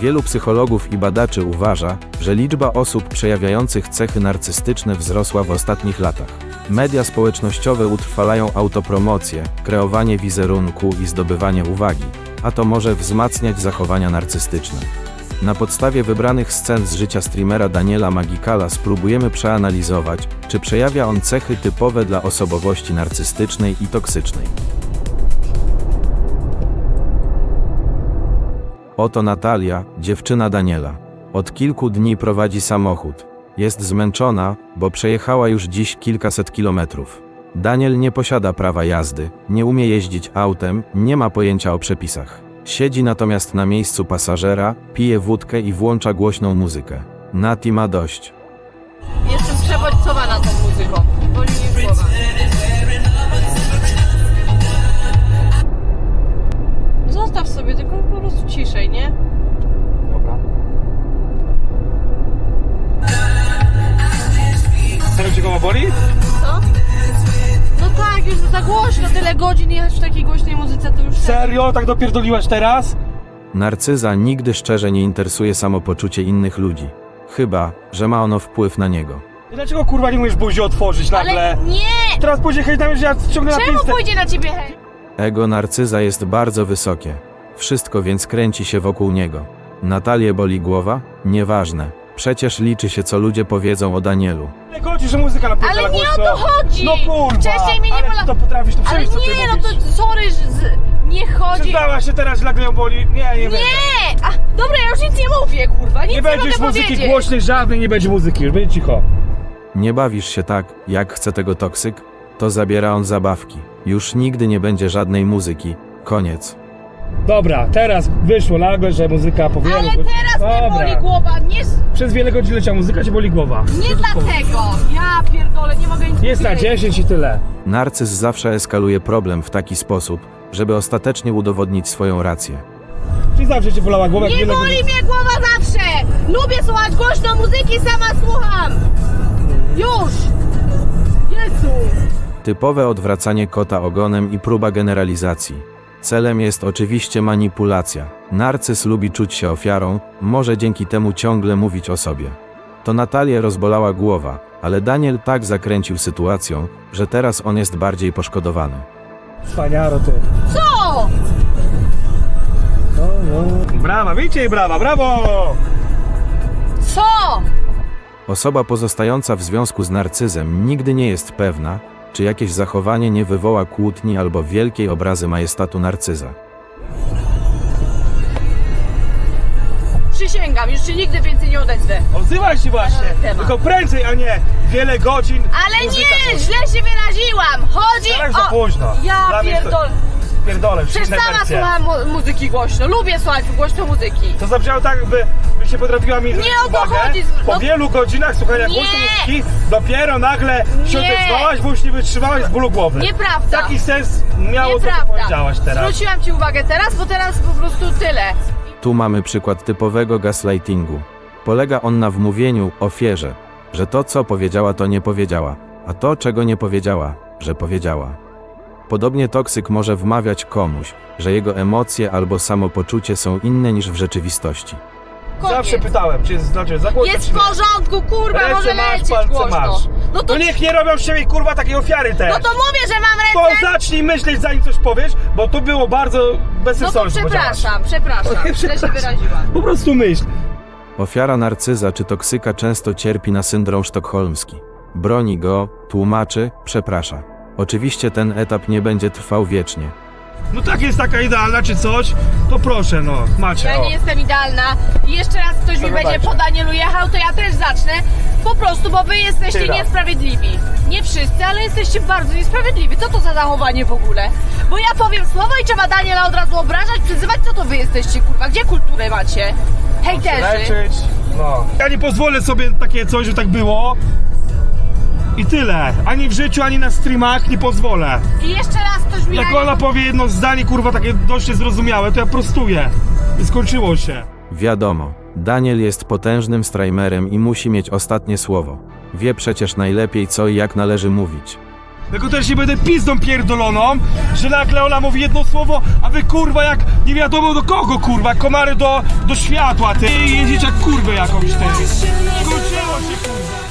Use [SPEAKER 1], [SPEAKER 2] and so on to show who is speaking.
[SPEAKER 1] Wielu psychologów i badaczy uważa, że liczba osób przejawiających cechy narcystyczne wzrosła w ostatnich latach. Media społecznościowe utrwalają autopromocję, kreowanie wizerunku i zdobywanie uwagi, a to może wzmacniać zachowania narcystyczne. Na podstawie wybranych scen z życia streamera Daniela Magikala spróbujemy przeanalizować, czy przejawia on cechy typowe dla osobowości narcystycznej i toksycznej. Oto Natalia, dziewczyna Daniela. Od kilku dni prowadzi samochód. Jest zmęczona, bo przejechała już dziś kilkaset kilometrów. Daniel nie posiada prawa jazdy, nie umie jeździć autem, nie ma pojęcia o przepisach. Siedzi natomiast na miejscu pasażera, pije wódkę i włącza głośną muzykę. Nati ma dość.
[SPEAKER 2] Jestem przebodźcowana tą muzyką. Boli mnie głowa. Zostaw sobie, tylko po prostu ciszej, nie?
[SPEAKER 3] Dobra. Serio cię głowa boli?
[SPEAKER 2] Co? No tak, już za głośno, tyle godzin jechać w takiej głośnej muzyce, to już...
[SPEAKER 3] Serio? Tak dopierdoliłaś teraz?
[SPEAKER 1] Narcyza nigdy szczerze nie interesuje samopoczucie innych ludzi. Chyba, że ma ono wpływ na niego.
[SPEAKER 3] I dlaczego kurwa nie umiesz buzi otworzyć nagle?
[SPEAKER 2] Ale nie!
[SPEAKER 3] Teraz pójdzie hejt na mnie, że ja ciągnę na
[SPEAKER 2] Czemu
[SPEAKER 3] pistę.
[SPEAKER 2] pójdzie na ciebie hej?
[SPEAKER 1] Ego narcyza jest bardzo wysokie. Wszystko więc kręci się wokół niego. Natalię boli głowa? Nieważne. Przecież liczy się, co ludzie powiedzą o Danielu.
[SPEAKER 3] Nie chodzi, że muzyka napierdala
[SPEAKER 2] Ale nie
[SPEAKER 3] głośno.
[SPEAKER 2] o to chodzi!
[SPEAKER 3] No kurwa!
[SPEAKER 2] Wcześniej mnie nie
[SPEAKER 3] ale
[SPEAKER 2] bola...
[SPEAKER 3] ty to potrafisz, to
[SPEAKER 2] Ale
[SPEAKER 3] przejść, co ty
[SPEAKER 2] nie, no
[SPEAKER 3] mówisz.
[SPEAKER 2] to sorry, nie chodzi...
[SPEAKER 3] Przyznałaś się teraz, że nagle ją boli? Nie będę.
[SPEAKER 2] Nie! A, dobra, ja już nic nie mówię, kurwa, nic
[SPEAKER 3] Nie będzie już
[SPEAKER 2] mogę
[SPEAKER 3] muzyki
[SPEAKER 2] powiedzieć.
[SPEAKER 3] głośnej, żadnej nie będzie muzyki, już będzie cicho.
[SPEAKER 1] Nie bawisz się tak, jak chce tego toksyk? To zabiera on zabawki. Już nigdy nie będzie żadnej muzyki. Koniec.
[SPEAKER 3] Dobra, teraz wyszło nagle, że muzyka po wielu
[SPEAKER 2] Ale
[SPEAKER 3] godzinach-
[SPEAKER 2] teraz mnie
[SPEAKER 3] Dobra.
[SPEAKER 2] boli głowa, nie,
[SPEAKER 3] Przez wiele godzin leciała muzyka, cię boli głowa.
[SPEAKER 2] nie dlatego. Ja pierdolę, nie mogę nic
[SPEAKER 3] Jest na
[SPEAKER 2] powiedzieć.
[SPEAKER 3] 10 i tyle.
[SPEAKER 1] Narcyz zawsze eskaluje problem w taki sposób, żeby ostatecznie udowodnić swoją rację.
[SPEAKER 3] Czyli zawsze cię bolała głowa, jak
[SPEAKER 2] Nie
[SPEAKER 3] wiele
[SPEAKER 2] boli
[SPEAKER 3] godzin...
[SPEAKER 2] mnie głowa zawsze! Lubię słuchać głośno muzyki, sama słucham! Już! Jezu!
[SPEAKER 1] Typowe odwracanie kota ogonem i próba generalizacji. Celem jest oczywiście manipulacja. Narcyz lubi czuć się ofiarą, może dzięki temu ciągle mówić o sobie. To Natalię rozbolała głowa, ale Daniel tak zakręcił sytuacją, że teraz on jest bardziej poszkodowany.
[SPEAKER 3] Wspaniaro ty.
[SPEAKER 2] Co?
[SPEAKER 3] Brawa, widzicie, brawa, brawo!
[SPEAKER 2] Co?
[SPEAKER 1] Osoba pozostająca w związku z narcyzem nigdy nie jest pewna, czy jakieś zachowanie nie wywoła kłótni albo wielkiej obrazy majestatu narcyza.
[SPEAKER 2] Przysięgam, już się nigdy więcej nie odezwę.
[SPEAKER 3] Odzywaj się właśnie,
[SPEAKER 2] Na ten temat.
[SPEAKER 3] tylko prędzej, a nie wiele godzin.
[SPEAKER 2] Ale
[SPEAKER 3] muzyka
[SPEAKER 2] nie,
[SPEAKER 3] głośna.
[SPEAKER 2] źle się wyraziłam! Chodzi
[SPEAKER 3] Teraz za
[SPEAKER 2] o...
[SPEAKER 3] późno.
[SPEAKER 2] Ja
[SPEAKER 3] Dla mnie to-
[SPEAKER 2] pierdolę.
[SPEAKER 3] Pierdolę,
[SPEAKER 2] Przecież
[SPEAKER 3] inne
[SPEAKER 2] sama
[SPEAKER 3] wersje.
[SPEAKER 2] słucham muzyki głośno, lubię słuchać głośno muzyki.
[SPEAKER 3] To zabrzmiało tak, by się potrafiła mi zwrócić
[SPEAKER 2] o to
[SPEAKER 3] uwagę.
[SPEAKER 2] chodzi,
[SPEAKER 3] Po
[SPEAKER 2] no-
[SPEAKER 3] wielu godzinach słuchania
[SPEAKER 2] Nie.
[SPEAKER 3] głośnej muzyki, dopiero nagle się
[SPEAKER 2] Nie.
[SPEAKER 3] odezwałaś, bo już nie wytrzymałaś z bólu głowy.
[SPEAKER 2] Nieprawda.
[SPEAKER 3] Taki sens miało to, co
[SPEAKER 2] Nieprawda.
[SPEAKER 3] powiedziałaś teraz.
[SPEAKER 2] Zwróciłam ci uwagę teraz, bo teraz po prostu tyle.
[SPEAKER 1] Tu mamy przykład typowego gaslightingu. Polega on na wmówieniu ofierze, że to, co powiedziała, to nie powiedziała, a to, czego nie powiedziała, że powiedziała. Podobnie toksyk może wmawiać komuś, że jego emocje albo samopoczucie są inne niż w rzeczywistości.
[SPEAKER 2] Koniec.
[SPEAKER 3] Zawsze pytałem, czy jest znaczy za głośno,
[SPEAKER 2] Jest
[SPEAKER 3] czy
[SPEAKER 2] w
[SPEAKER 3] nie.
[SPEAKER 2] porządku, kurwa,
[SPEAKER 3] Ręce
[SPEAKER 2] może
[SPEAKER 3] masz,
[SPEAKER 2] lecieć
[SPEAKER 3] palce
[SPEAKER 2] głośno.
[SPEAKER 3] masz.
[SPEAKER 2] No to,
[SPEAKER 3] To niech nie robią z siebie kurwa takiej ofiary też.
[SPEAKER 2] no to mówię, że mam
[SPEAKER 3] To
[SPEAKER 2] ręce.
[SPEAKER 3] zacznij myśleć, zanim coś powiesz, bo to było bardzo
[SPEAKER 2] No to
[SPEAKER 3] bezsensowne. co
[SPEAKER 2] przepraszam,
[SPEAKER 3] powiedziałaś.
[SPEAKER 2] źle się wyraziłam.
[SPEAKER 3] Po prostu myśl.
[SPEAKER 1] Ofiara narcyza czy toksyka często cierpi na syndrom sztokholmski. Broni go, tłumaczy, przeprasza. Oczywiście ten etap nie będzie trwał wiecznie.
[SPEAKER 3] No tak jest taka idealna czy coś, to proszę no, macie.
[SPEAKER 2] Ja
[SPEAKER 3] o.
[SPEAKER 2] nie jestem idealna i jeszcze raz ktoś mi
[SPEAKER 3] Zagadajcie.
[SPEAKER 2] będzie po Danielu jechał, to ja też zacznę. Po prostu, bo wy jesteście
[SPEAKER 3] Tyle.
[SPEAKER 2] niesprawiedliwi. Nie wszyscy, ale jesteście bardzo niesprawiedliwi. Co to za zachowanie w ogóle? Bo ja powiem słowo i trzeba Daniela od razu obrażać, przyzywać. Co to wy jesteście, kurwa? Gdzie kulturę macie? Hejterzy.
[SPEAKER 3] Leczyć, no. Ja nie pozwolę sobie takie coś, że tak było. I tyle. Ani w życiu, ani na streamach nie pozwolę.
[SPEAKER 2] I jeszcze raz ktoś mi
[SPEAKER 3] Jak
[SPEAKER 2] Daniel...
[SPEAKER 3] ona powie jedno zdanie, kurwa, takie dość niezrozumiałe, to ja prostuję. I skończyło się.
[SPEAKER 1] Wiadomo, Daniel jest potężnym streamerem i musi mieć ostatnie słowo. Wie przecież najlepiej co i jak należy mówić.
[SPEAKER 3] Tylko też nie będę pizdą pierdoloną, że nagle ona mówi jedno słowo, a wy kurwa jak nie wiadomo do kogo kurwa, jak komary do światła, ty jeździć jak kurwę jakąś ty. Skończyło się kurwa.